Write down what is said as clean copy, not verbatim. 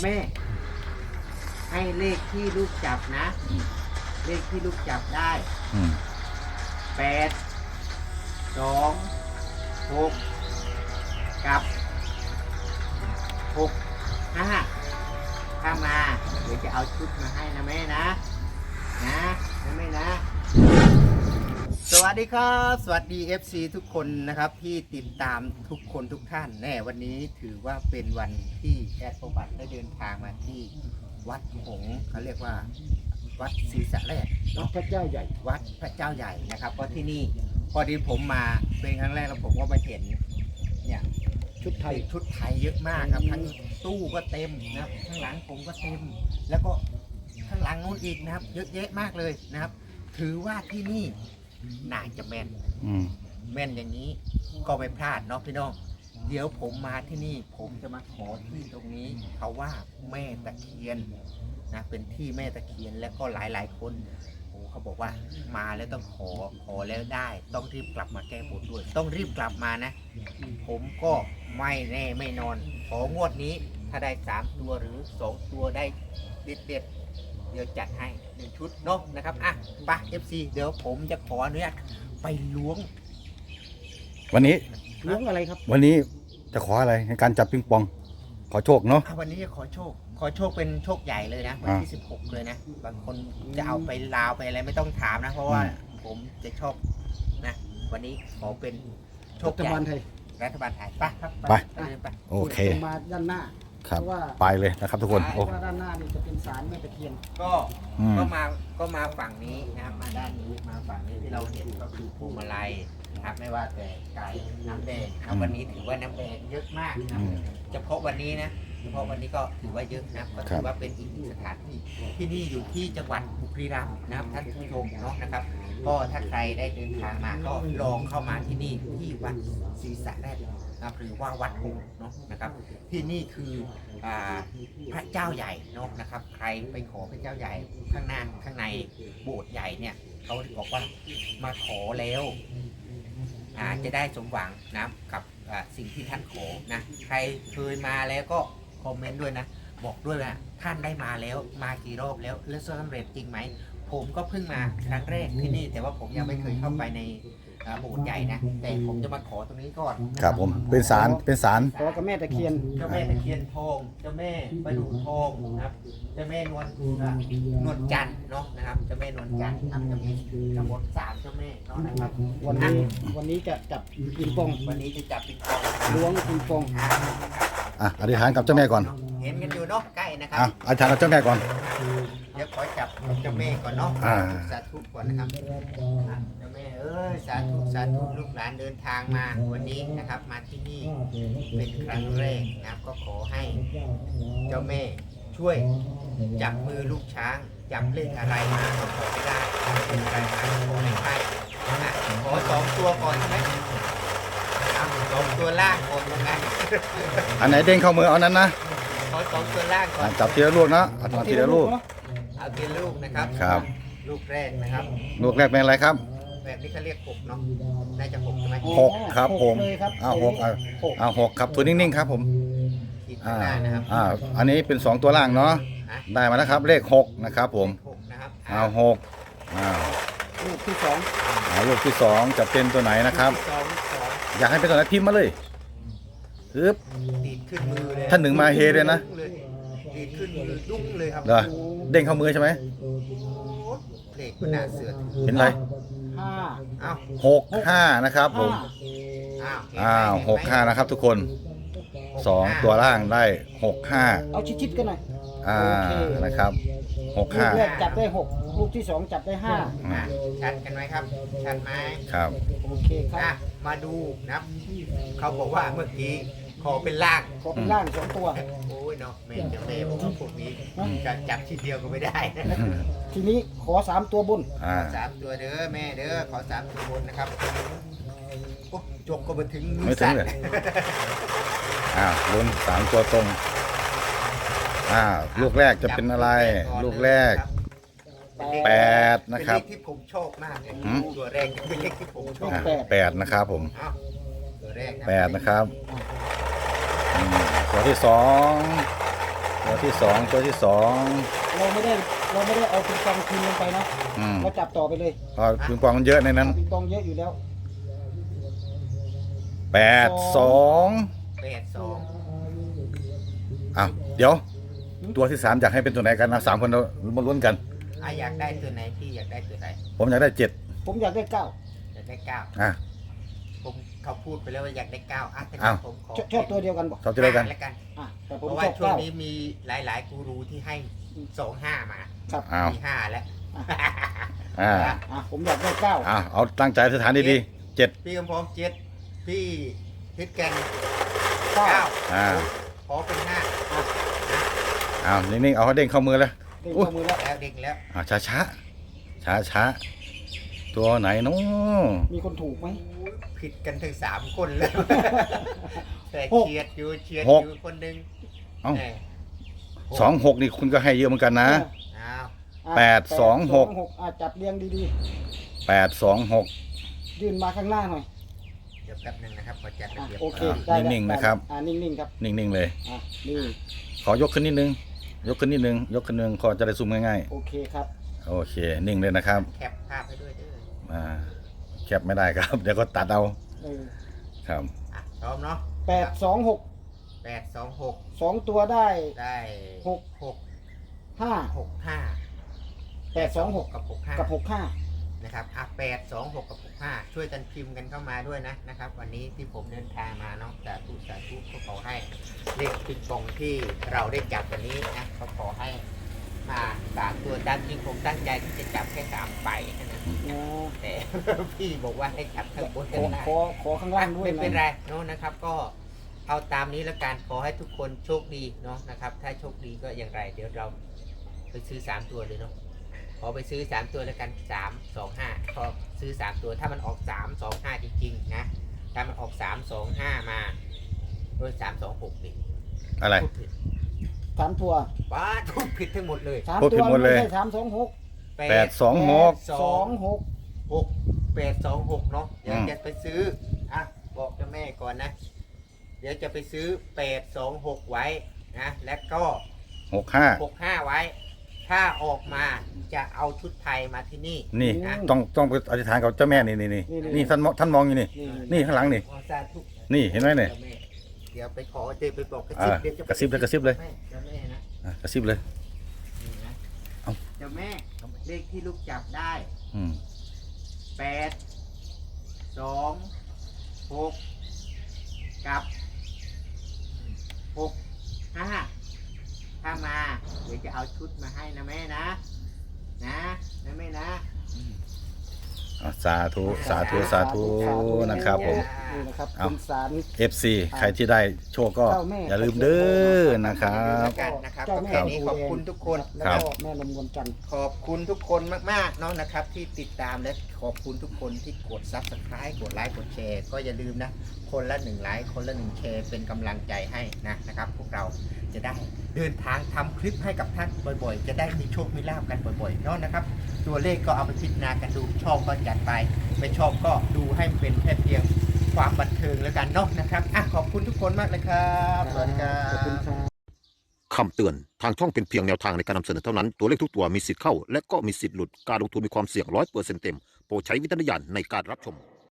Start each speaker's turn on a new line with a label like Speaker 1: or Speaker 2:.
Speaker 1: แม่ให้เลขที่ลูกจับนะเลขที่ลูกจับได้8 2 6กับ6 5ถ้ามาเดี๋ยวจะเอาชุดมาให้นะแม่นะแม่นะสวัสดีครับสวัสดี FC ทุกคนนะครับที่ติดตามทุกคนทุกท่านแน่วันนี้ถือว่าเป็นวันที่แอดประวัติได้เดินทางมาที่วัดหงส์เขาเรียกว่าวัดศรีสะแรกวัดพระเจ้าใหญ่วัดพระเจ้าใหญ่นะครับเพราะที่นี่พอดีผมมาเป็นครั้งแรกแล้วผมก็มาเห็นเนี่ยชุดไทยเยอะมากครับทั้งตู้ก็เต็มนะครับข้างหลังผมก็เต็มแล้วก็ข้างหลังนู้นอีกนะครับเยอะแยะมากเลยนะครับถือว่าที่นี่น่าจะแม่นอย่างนี้ก็ไม่พลาดเนาะพี่น้องเดี๋ยวผมมาที่นี่ผมจะมาขอที่ตรงนี้เขาว่าแม่ตะเคียนนะเป็นที่แม่ตะเคียนแล้วก็หลายคนเขาบอกว่ามาแล้วต้องขอแล้วได้ต้องรีบกลับมาแก้บนด้วยต้องรีบกลับมานะผมก็ไม่แน่ไม่นอนของวดนี้ถ้าได้3ตัวหรือ2ตัวได้เด็ดเดี๋ยวจัดให้1ชุดเนาะนะครับอ่ะไป FC เดี๋ยวผมจะขออนุญาตไปล้วง
Speaker 2: วันนี้
Speaker 1: ล้วงอะไรครับ
Speaker 2: วันนี้จะขออะไรในการจับปิงปองขอโชคเนาะ
Speaker 1: วันนี้จะขอโชคเป็นโชคใหญ่เลยนะวันที่16เลยนะบางคนจะเอาไปลาวไปอะไรไม่ต้องถามนะเพราะว่าผมจะชอบนะวันนี้ขอเป็นโชคใหญ่รัฐบาลไทยไปครับไป
Speaker 2: โอเค
Speaker 3: มาด้านหน้า
Speaker 2: ครับไปเลยนะครับทุกคน
Speaker 3: เพราะว่าด้านหน้านี่จะเป็นศาลแม่ตะเคียน
Speaker 1: ก็มาฝั่งนี้นะครับมาด้านนี้มาฝั่งนี้ที่เราเห็นก็คือพวงมาลัยนะครับไม่ว่าแต่ไก่น้ำแดงนะวันนี้ถือว่าน้ำแดงเยอะมากนะเฉพาะวันนี้นะเฉพาะวันนี้ก็ถือว่าเยอะนะก็ถือว่าเป็นอีกหนึ่งสถานที่ที่นี่อยู่ที่จังหวัดบุรีรัมย์นะครับท่านผู้ชมเนาะนะครับก็ถ้าใครได้เดินทางมาก็ลองเข้ามาที่นี่ที่วัดศรีสะแรกหรือว่าวัดหงส์เนาะนะครับที่นี่คือพระเจ้าใหญ่เนาะนะครับใครไปขอพระเจ้าใหญ่ข้างในโบสถ์ใหญ่เนี่ยเขาบอกว่ามาขอแล้วจะได้สมหวังนะกับสิ่งที่ท่านขอนะใครเคยมาแล้วก็คอมเมนต์ด้วยนะบอกด้วยว่าท่านได้มาแล้วมากี่รอบแล้วสำเร็จจริงไหมผมก็เพิ่งมาครั้งแรกที่นี่แต่ว่าผมยังไม่เคยเข้าไปในโบสถ์ใหญ่นะแต่ผมจะมาขอตรงนี้ก่อน
Speaker 2: ครับผมเป็นศาล
Speaker 3: ขอกับแม่ตะเคียน
Speaker 1: เจ้าแม่ตะเคียนทองเจ้าแม่ประดู่ทองนะครับเจ้าแม่นวลจันทร์เนาะนะครับเจ้าแม่นวลจันทร์ทำจะมีทั้งหมด3เจ้าแม่เนาะนะครับ
Speaker 3: วันนี้จะจับปิงปอง
Speaker 1: วันนี้จะจับปิงปอง
Speaker 3: ล้วงปิงปอง
Speaker 2: อธิษฐานกับเจ้าแม่ก่อน
Speaker 1: เห็นกันอยู่เนาะใกล้นะครับ
Speaker 2: อธิษฐานกับเจ้าแม่ก่อน
Speaker 1: เดี๋ยวขอจับเจ้าแม่ก่อนเนาะสาธุก่อนนะครับเจ้าแม่สาธุลูกหลานเดินทางมาวันนี้นะครับมาที่นี่เป็นครั้งแรกนะครับก็ขอให้เจ้าแม่ช่วยจับมือลูกช้างจับเลขอะไรมาขอไม่ได้เป็นอะไรมาขอไม่ได้ขอ2ตัวก่อนใช่ไหม2ตัวล่างก่อนยังไง
Speaker 2: อันไหนเด้งเข้ามือเอานั้นนะ
Speaker 1: ขอ2ตัวล่างก่อน
Speaker 2: จับทีละลูกนะเอาทีละลูก
Speaker 1: เอาทีละลูกนะครับ
Speaker 2: ครับ
Speaker 1: ลูกแรกนะครับ
Speaker 2: ลูกแรกเป็นอะไรครับ
Speaker 1: แบบนี้เขาเรียก6เนาะน่าจะ6ใช่ไหม
Speaker 2: 6ครับผม6ครับตัวนิ่งๆครับผมอันนี้เป็น2ตัวล่างเนาะได้มาแล้วครับเลข6นะครับผม6
Speaker 3: ลูกที่2
Speaker 2: ลูกที่2จะเป็นตัวไหนนะครับอยากให้เป็นตัวไหนพิมพ์มาเลย
Speaker 1: ดีดขึ้นมือเลย
Speaker 2: ท่านหนึ่งมาเฮเลยนะ
Speaker 1: ดีดขึ้นมือดุ้งเลยครับ
Speaker 2: เด้งเข้ามือใช่ไหม
Speaker 1: เลขมันน่าเสือ
Speaker 2: เห็นอะไร65นะครับผม65นะครับทุกคน2ตัวล่างได้65
Speaker 3: เอาชิดๆกันหน่อย
Speaker 2: นะครับ65
Speaker 3: ลูกแรกจับได้6ลูกที่2จับได้5
Speaker 1: ชัดกันไหมครับชัดไหม
Speaker 2: ครับ
Speaker 3: โอเคครับ
Speaker 1: มาดูนะเขาบอกว่าเมื่อกี้ขอเป็นล่าง
Speaker 3: 2ตัว
Speaker 1: โอ้ยเนาะแม่จะแม่บอกว่าพวกนี้จะจับทีเดียวก็ไม่ได้
Speaker 3: ทีนี้ขอ3ตัวบน
Speaker 1: 3ตัวเด้อแม่เด้อขอ3ตัวบนนะครับจกก็มาถึง
Speaker 2: ไม่ถึงเลยลุ้น3ตัวตรงลูกแรกจะเป็นอะไรลูกแรก8นะครับ
Speaker 1: ที่ผมชอบมากเลยตัวแรกเป็นเลขที่ผมชอบ
Speaker 2: 8นะครับผม
Speaker 1: ตัวแรก
Speaker 2: 8นะครับตัวที่2 ตัวที่สองตัวที่สอง
Speaker 3: เราไม่ได้เอาปิงปองคืนลงไปนะ
Speaker 2: อืม
Speaker 3: เราจับต่อไปเลย
Speaker 2: อ๋อปิงปองมันเยอะในนั้น
Speaker 3: ปิงปองเยอะอยู่แล้ว
Speaker 2: 82
Speaker 1: 82
Speaker 2: อ้าวเดี๋ยว ตัวที่3อยากให้เป็นตัวไหนกันนะ3คนเรามาลุ้นกัน
Speaker 1: อยากได้ตัวไหนพี่อยากได้ตัวไหน
Speaker 2: ผมอยากได้
Speaker 3: ผมอยากได้เก้า
Speaker 1: อยากได้เก้า
Speaker 2: 7อ่ะ
Speaker 1: ผมเขาพูดไปแล้วว่าอยากได้เก้าถ้า
Speaker 2: อ้าว
Speaker 1: ผมขอ
Speaker 3: ชอบตัวเดียวกันบอก
Speaker 2: ชอบจะได้กัน
Speaker 1: แล้วกัน
Speaker 3: แต่ผ
Speaker 1: เพ
Speaker 3: ม
Speaker 1: ราะ
Speaker 3: ช
Speaker 1: ว่า
Speaker 3: อบ
Speaker 1: ช่วง
Speaker 3: เก้า
Speaker 1: นี้มีหลายๆกูรูที่ให้25มา
Speaker 3: ครับ
Speaker 2: อ้าว
Speaker 1: มี5แล้ว
Speaker 2: อ่า
Speaker 3: ผมอยากได้เก้า
Speaker 2: เอาตั้งใจสถานดีๆ7
Speaker 1: พี่กำพร้อม7พี่ทิศแกน
Speaker 3: เก้า
Speaker 1: 9
Speaker 2: อ่า
Speaker 1: ขอเป็น5
Speaker 2: เอานิ่งๆเอาให้เด้งเข้ามือเลย
Speaker 3: เด้งเข้ามือแล้ว
Speaker 1: แล้วเด็กแล้ว
Speaker 2: ช้าช้าช้าช้าๆตัวไหนน้อ
Speaker 3: มีคนถูกไหม
Speaker 1: ผิดกันถึง3คนเลยแต่
Speaker 3: หก
Speaker 1: เฉียดอยู่คนหนึ่ง
Speaker 2: เอ้า
Speaker 1: เออ
Speaker 2: 26นี่คุณก็ให้เยอะเหมือนกันนะ
Speaker 1: อ้าว
Speaker 3: 826จับเรียงดี
Speaker 2: 826
Speaker 3: ๆยื่นมาข้างหน้าหน่อย
Speaker 1: เดี๋ยวแป๊บหนึงนะครับขอจัดระเบียบ
Speaker 3: โอเค
Speaker 2: อ่ะ
Speaker 3: ได้แล้ว
Speaker 2: นิ่งๆนะครับ
Speaker 3: นิ่งๆครับ
Speaker 2: นิ่งๆเลย
Speaker 3: นี่
Speaker 2: ขอยกขึ้นนิดนึง ยกขึ้นนิดนึง ยกขึ้นนึงพอจะได้ซูมง่าย
Speaker 3: โอเคครับ
Speaker 2: ๆ โอเค นิ่งเลยนะครับ
Speaker 1: แคปภาพให้ด้วยเด้อ
Speaker 2: อ่าแคปไม่ได้ครับ เดี๋ยวก็ตัดเอา
Speaker 3: เออ
Speaker 2: ครับ
Speaker 1: พร้อมเนาะ
Speaker 3: 826
Speaker 1: 826
Speaker 3: 2ตัวได้
Speaker 1: ได้
Speaker 3: หก 5
Speaker 1: 65
Speaker 3: 826
Speaker 1: กับ
Speaker 3: กับ
Speaker 1: 65
Speaker 3: 65
Speaker 1: นะครับ826กับ65ช่วยกันพิมพ์กันเข้ามาด้วยนะครับ วันนี้ที่ผมเดินทางมาเนาะสาธุก็ขอให้เลขปิงปองที่เราได้จับวันนี้นะเขาขอให้มา3ตัวตามจริงผมตั้งใจที่จะจับแค่3ใบนะแต่ พี่บอกว่าให้จับทั้งบนทั้งล่าง
Speaker 3: ขอข้างล่างด้วย
Speaker 1: ไม่
Speaker 3: นะ
Speaker 1: เป็นไรเนาะนะครับ ก็เอาตามนี้แล้วกันขอให้ทุกคนโชคดีเนาะนะครับ ถ้าโชคดีก็อย่างไร เดี๋ยวเราไปซื้อ3ตัวเลยเนาะขอไปซื้อ3ตัวแล้วกัน3 2 5พอซื้อ3ตัวถ้ามันออก3 2 5จริงๆนะถ้ามันออก3 2 5มาโดย3 2 6นี่
Speaker 2: อะไร
Speaker 1: พูดผิด
Speaker 3: 3 ตัว
Speaker 1: ป้าทุกผิดทั้งหมดเลย
Speaker 2: พูดผิดหมดเลย
Speaker 3: ไม่ใช่326
Speaker 2: 826
Speaker 3: 26
Speaker 1: 826เนาะเดี๋ยว
Speaker 2: อืม
Speaker 1: จะไปซื้อบอกเจ้าแม่ก่อนนะ เดี๋ยวจะไปซื้อ826ไว้นะและก็
Speaker 2: 65
Speaker 1: 65ไว้ ถ้าออกมาจะเอาชุดไทยมาที่นี่
Speaker 2: นี่
Speaker 1: นะ
Speaker 2: ต้องไปอธิษฐานกับเจ้าแม่นี่ท่านมองอยู่นี่ นี่ข้างหลังนี่
Speaker 1: ขอสาธุ
Speaker 2: นี่เห็นไหมเนี่ย
Speaker 1: จ้าแเดี๋ยวไปขอเดี๋ยวไปบอกกระ
Speaker 2: อ่า
Speaker 1: ซิบเดี๋ยวจะ
Speaker 2: กระซิบเลยกระซิบเลย
Speaker 1: เจ้าแม่นะ
Speaker 2: กระซิบเลย
Speaker 1: นี่นะ
Speaker 2: เอา
Speaker 1: เจ้าแม่เลขที่ลูกจับได้
Speaker 2: อืม
Speaker 1: 8 2 6กับ6 5ถ้ามาเดี๋ยวจะเอาชุดมาให้นะแม่นะนะแม่นะ
Speaker 2: สาธุสาธุสาธุนะครับผม
Speaker 3: นี่นะครับ
Speaker 2: เอา
Speaker 3: เป็นสาร
Speaker 2: FC ใครที่ได้โชคก็
Speaker 3: เจ้าแม่
Speaker 2: อย่าลืมเด้อนะครับ
Speaker 1: กันนะครับ
Speaker 3: เจ้า
Speaker 1: ก็
Speaker 3: แม่
Speaker 1: แค่นี้ขอบคุณทุกคน
Speaker 3: แล้ว
Speaker 2: ครั
Speaker 3: ก็
Speaker 2: บ
Speaker 3: แม่ลมนวลจันทร์
Speaker 1: ขอบคุณทุกคนมากๆเนาะนะครับที่ติดตามและขอบคุณทุกคนที่กด Subscribe กดไลค์กดแชร์ก็อย่าลืมนะคนละ1ไลค์คนละ1แชร์เป็นกำลังใจให้นะครับพวกเราจะได้เดินทางทำคลิปให้กับท่านบ่อยๆ จะได้มีโชคมีลาภกันบ่อยๆเนาะนะครับตัวเลขก็เอาไปพิจารณากันดูชอบก็จัดไปไม่ชอบก็ดูให้มันเป็นแค่เพียงความบันเทิงแล้วกันเนาะนะครับขอบคุณทุกคนมากเลยครับสวัสดีครั
Speaker 3: ขอบคุณ
Speaker 1: บ
Speaker 3: ครับ
Speaker 4: คำเตือน ทางช่องเป็นเพียงแนวทางในการนำเสนอเท่านั้น ตัวเลขทุกตัวมีสิทธิ์เข้า และก็มีสิทธิ์หลุด การลงทุนมีความเสี่ยง100%เต็ม โปรดใช้วิจารณญาณในการรับชม